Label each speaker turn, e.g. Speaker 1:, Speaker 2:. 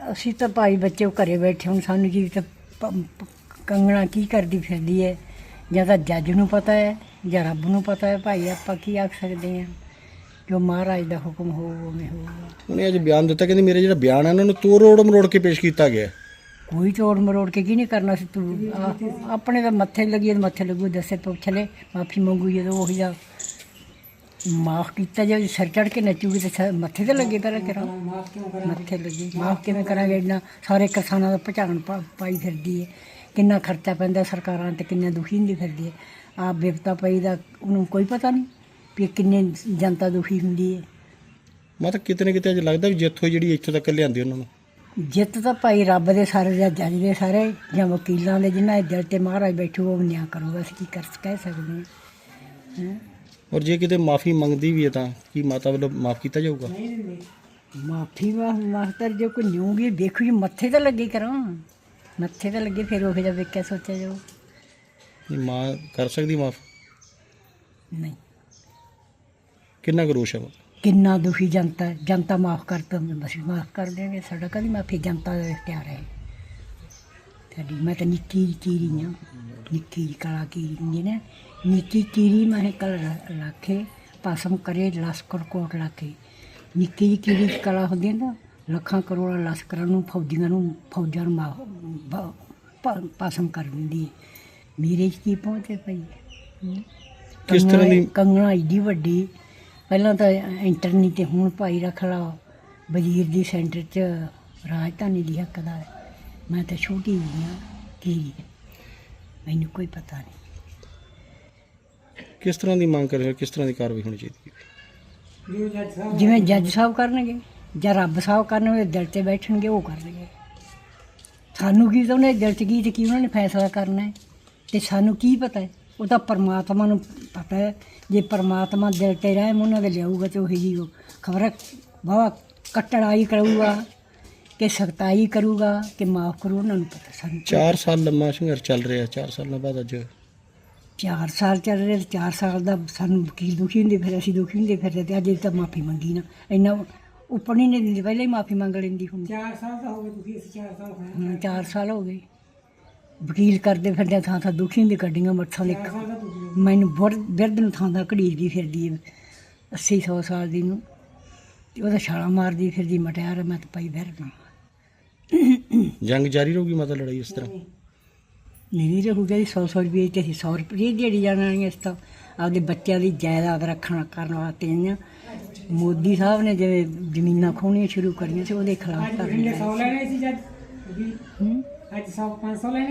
Speaker 1: ਅਸੀਂ ਤਾਂ ਭਾਈ ਬੱਚੇ ਘਰੇ ਬੈਠੇ ਹੁਣ ਸਾਨੂੰ ਕੀ ਤਾਂ ਕੰਗਣਾ ਕੀ ਕਰਦੀ ਫਿਰਦੀ ਹੈ, ਜਾਂ ਤਾਂ ਜੱਜ ਨੂੰ ਪਤਾ ਹੈ ਜਾਂ ਰੱਬ ਨੂੰ ਪਤਾ ਹੈ। ਭਾਈ ਆਪਾਂ ਕੀ ਆਖ ਸਕਦੇ ਹਾਂ, ਜੋ ਮਹਾਰਾਜ ਦਾ ਹੁਕਮ ਹੋਊ ਉਵੇਂ ਹੋਊਗਾ।
Speaker 2: ਉਹਨੇ ਅੱਜ ਬਿਆਨ ਦਿੱਤਾ, ਕਹਿੰਦੀ ਮੇਰੇ ਜਿਹੜਾ ਬਿਆਨ ਹੈ ਉਹਨਾਂ ਨੂੰ ਤੋੜ ਮਰੋੜ ਕੇ ਪੇਸ਼ ਕੀਤਾ ਗਿਆ।
Speaker 1: ਕੋਈ ਤੋੜ ਮਰੋੜ ਕੇ ਕੀ ਨਹੀਂ ਕਰਨਾ ਸੀ ਤੂੰ ਆਪਣੇ ਤਾਂ ਮੱਥੇ ਲੱਗੀ, ਮੱਥੇ ਲੱਗੂ ਦੱਸੇ ਪੁੱਛ ਲੈ, ਮਾਫੀ ਮੰਗੂ ਜਦੋਂ ਉਹੀ ਦਾ ਮਾਫ ਕੀਤਾ ਜੇ ਸਿਰ ਚੜ੍ਹ ਕੇ ਨੱਚੂਗੀ ਤਾਂ ਮੱਥੇ 'ਤੇ ਲੱਗੇ ਪਹਿਲਾਂ ਕਰਾਂ ਮੱਥੇ ਲੱਗੇ। ਮਾਫ ਕਿਵੇਂ ਕਰਾਂਗੇ, ਇੰਨਾ ਸਾਰੇ ਕਿਸਾਨਾਂ ਦਾ ਭਚਾਣ ਪਾਈ ਫਿਰਦੀ ਹੈ, ਕਿੰਨਾ ਖਰਚਾ ਪੈਂਦਾ ਸਰਕਾਰਾਂ 'ਤੇ, ਕਿੰਨਾ ਦੁਖੀ ਹੁੰਦੀ ਫਿਰਦੀ ਹੈ। ਆਪ ਬਿਪਤਾ ਪਈ ਦਾ ਉਹਨੂੰ ਕੋਈ ਪਤਾ ਨਹੀਂ ਵੀ ਕਿੰਨੇ ਜਨਤਾ ਦੁਖੀ ਹੁੰਦੀ ਹੈ।
Speaker 2: ਮੈਂ ਤਾਂ ਕਿਤੇ ਨਾ ਕਿਤੇ ਅੱਜ ਲੱਗਦਾ ਵੀ ਜਿੱਥੋਂ ਜਿਹੜੀ ਇੱਥੋਂ ਤੱਕ ਲਿਆਂਦੀ ਉਹਨਾਂ ਨੂੰ
Speaker 1: ਜਿੱਤ ਤਾਂ ਭਾਈ ਰੱਬ ਦੇ ਸਾਰੇ ਜਾਂ ਜੱਜ ਦੇ ਸਾਰੇ ਜਾਂ ਵਕੀਲਾਂ ਦੇ, ਜਿਨ੍ਹਾਂ ਦੇ ਦਿਲ 'ਤੇ ਮਹਾਰਾਜ ਬੈਠੂ ਉਹ ਨਿਆਂ ਕਰੂਗਾ। ਅਸੀਂ ਕੀ ਕਹਿ ਸਕਦੇ ਹਾਂ।
Speaker 2: ਔਰ ਜੇ ਕਿਤੇ ਮਾਫੀ ਮੰਗਦੀ ਵੀ ਹੈ ਤਾਂ ਕੀ ਮਾਤਾ ਵੱਲੋਂ ਮਾਫ ਕੀਤਾ ਜਾਊਗਾ?
Speaker 1: ਮਾਫੀ ਮਾਸਟਰ ਜੇ ਕੋਈ ਨਿਊਗੀ ਦੇਖੋ ਜੀ, ਮੱਥੇ ਤਾਂ ਲੱਗੇ ਕਰਾਂ, ਮੱਥੇ ਤਾਂ ਲੱਗੇ ਫਿਰ ਉਹ ਜਿਹਾ ਵੇਖਿਆ ਸੋਚਿਆ ਜਾਓ।
Speaker 2: ਨਹੀਂ ਮਾਂ ਕਰ ਸਕਦੀ ਮਾਫ?
Speaker 1: ਨਹੀਂ।
Speaker 2: ਕਿੰਨਾ ਕੁ ਰੋਸ਼ ਹੈ?
Speaker 1: ਕਿੰਨਾ ਦੁਖੀ ਜਨਤਾ ਮਾਫ ਕਰ ਤਾ ਅਸੀਂ ਮਾਫ ਕਰ ਦੇਂਗੇ, ਸਾਡਾ ਕਦੀ ਮਾਫੀ ਜਨਤਾ ਦਾ ਇਖਤਿਆਰ ਹੈ ਸਾਡੀ। ਮੈਂ ਤਾਂ ਨਿੱਕੀ ਚੀਰੀ ਹਾਂ, ਨਿੱਕੀ ਕਲਾ ਕੀਰੀ ਹੁੰਦੀ ਨਾ, ਨਿੱਕੀ ਕੀਰੀ ਮੈਂ ਕਲ ਰੱਖੇ ਪਾਸਮ ਕਰੇ ਲਸਕਰ ਕੋਟ ਲਾਕੇ। ਨਿੱਕੀ ਜਿਹੀ ਕੀੜੀ ਕਲਾ ਹੁੰਦੀ ਹੈ ਨਾ, ਲੱਖਾਂ ਕਰੋੜਾਂ ਲਸਕਰਾਂ ਨੂੰ ਫੌਜਾਂ ਨੂੰ ਪਾਸਮ ਕਰ ਦਿੰਦੀ ਹੈ। ਮੇਰੇ 'ਚ ਕੀ ਪਹੁੰਚੇ ਪਈ
Speaker 2: ਕਿਸ ਤਰ੍ਹਾਂ ਦੀ
Speaker 1: ਕੰਗਣਾ ਏਡੀ ਵੱਡੀ, ਪਹਿਲਾਂ ਤਾਂ ਇੰਟਰਨੀ ਤੇ ਹੁਣ ਭਾਈ ਰੱਖ ਲਾ ਵਜ਼ੀਰ ਦੀ ਸੈਂਟਰ 'ਚ ਰਾਜਧਾਨੀ ਦੀ ਹੱਕਦਾਰ। ਮੈਂ ਤਾਂ ਛੋਟੀ ਜਿਹੀ ਹਾਂ, ਕੀ ਮੈਨੂੰ ਕੋਈ ਪਤਾ ਨਹੀਂ।
Speaker 2: ਕਿਸ ਤਰ੍ਹਾਂ ਦੀ ਮੰਗ ਕਰ ਰਹੇ ਹੋ, ਕਿਸ ਤਰ੍ਹਾਂ ਦੀ ਕਾਰਵਾਈ ਹੋਣੀ ਚਾਹੀਦੀ ਹੈ?
Speaker 1: ਜਿਵੇਂ ਜੱਜ ਸਾਹਿਬ ਕਰਨਗੇ ਜਾਂ ਰੱਬ ਸਾਹਿਬ ਕਰਨਗੇ, ਦਿਲ 'ਤੇ ਬੈਠਣਗੇ ਉਹ ਕਰਨਗੇ। ਸਾਨੂੰ ਕੀ ਤਾਂ ਉਹਨੇ ਦਿਲ 'ਚ ਕੀ ਤੇ ਕੀ ਉਹਨਾਂ ਨੇ ਫੈਸਲਾ ਕਰਨਾ ਹੈ, ਅਤੇ ਸਾਨੂੰ ਕੀ ਪਤਾ ਹੈ? ਉਹ ਤਾਂ ਪਰਮਾਤਮਾ ਨੂੰ ਪਤਾ ਹੈ। ਜੇ ਪਰਮਾਤਮਾ ਦਿਲ 'ਤੇ ਰਹਿਮ ਉਹਨਾਂ ਦੇ ਲਿਆਊਗਾ ਤਾਂ ਉਹੀ ਜੀ ਖਬਰ ਵਾਹਵਾ ਕਟੜਾਈ ਕਰੂਗਾ ਕਿ ਸਖਤਾਈ ਕਰੂਗਾ ਕਿ ਮਾਫ ਕਰੂ, ਉਹਨਾਂ ਨੂੰ ਪਤਾ। ਸਾਨੂੰ
Speaker 2: 4 ਸਾਲ ਲੰਮਾ ਸੰਘਰਸ਼ ਚੱਲ ਰਿਹਾ, 4 ਸਾਲਾਂ ਬਾਅਦ ਅੱਜ
Speaker 1: 4 ਸਾਲ ਚੱਲ ਰਹੇ, 4 ਸਾਲ ਦਾ ਸਾਨੂੰ ਵਕੀਲ ਦੁਖੀ ਹੁੰਦੇ ਫਿਰ, ਅਸੀਂ ਦੁਖੀ ਹੁੰਦੇ ਫਿਰ, ਅਤੇ ਅੱਜ ਤਾਂ ਮਾਫੀ ਮੰਗੀ ਨਾ, ਇੰਨਾ ਉੱਪਰ ਨਹੀਂ ਦਿੰਦੀ, ਪਹਿਲਾਂ ਹੀ ਮਾਫੀ ਮੰਗ ਲੈਂਦੀ ਹੁਣ। 4 ਸਾਲ ਤਾਂ ਹੋ ਗਏ ਦੁਖੀ, 4 ਸਾਲ ਹੋ ਗਏ ਵਕੀਲ ਕਰਦੇ ਫਿਰਦੇ, ਥਾਂ ਥਾਂ ਦੁਖੀ ਹੁੰਦੀ, ਗੱਡੀਆਂ ਮੱਠਾਂ ਲਿਖ ਮੈਨੂੰ ਬਿਰਧ ਨੂੰ ਥਾਂ ਥਾਂ ਘੜੀਦੀ ਫਿਰਦੀ ਹੈ 80-100 ਸਾਲ ਦੀ ਨੂੰ, ਅਤੇ ਉਹਦਾ ਛਾਲਾਂ ਮਾਰਦੀ ਫਿਰਦੀ ਮਟਿਆਰ। ਮੈਂ ਤਾਂ ਪਾਈ ਬਿਰਧ
Speaker 2: ਜੰਗ ਜਾਰੀ ਰਹੂਗੀ ਮਾਤਾ, ਲੜਾਈ ਇਸ ਤਰ੍ਹਾਂ
Speaker 1: ਨਹੀਂ ਰਹੂਗਾ ਜੀ। 100 ਰੁਪਏ ਤੇ ਅਸੀਂ 100 ਰੁਪਏ ਦਿਹਾੜੀ ਜਾਣਾ ਨਹੀਂ। ਇਸ ਤਾਂ ਆਪਦੇ ਬੱਚਿਆਂ ਦੀ ਜਾਇਦਾਦ ਕਰਨ ਵਾਸਤੇ ਆਈਆਂ। ਮੋਦੀ ਸਾਹਿਬ ਨੇ ਜਿਵੇਂ ਜ਼ਮੀਨਾਂ ਖੋਹਣੀਆਂ ਸ਼ੁਰੂ ਕਰੀਆਂ ਸੀ, ਉਹਦੇ ਖਿਲਾਫ ਕਰ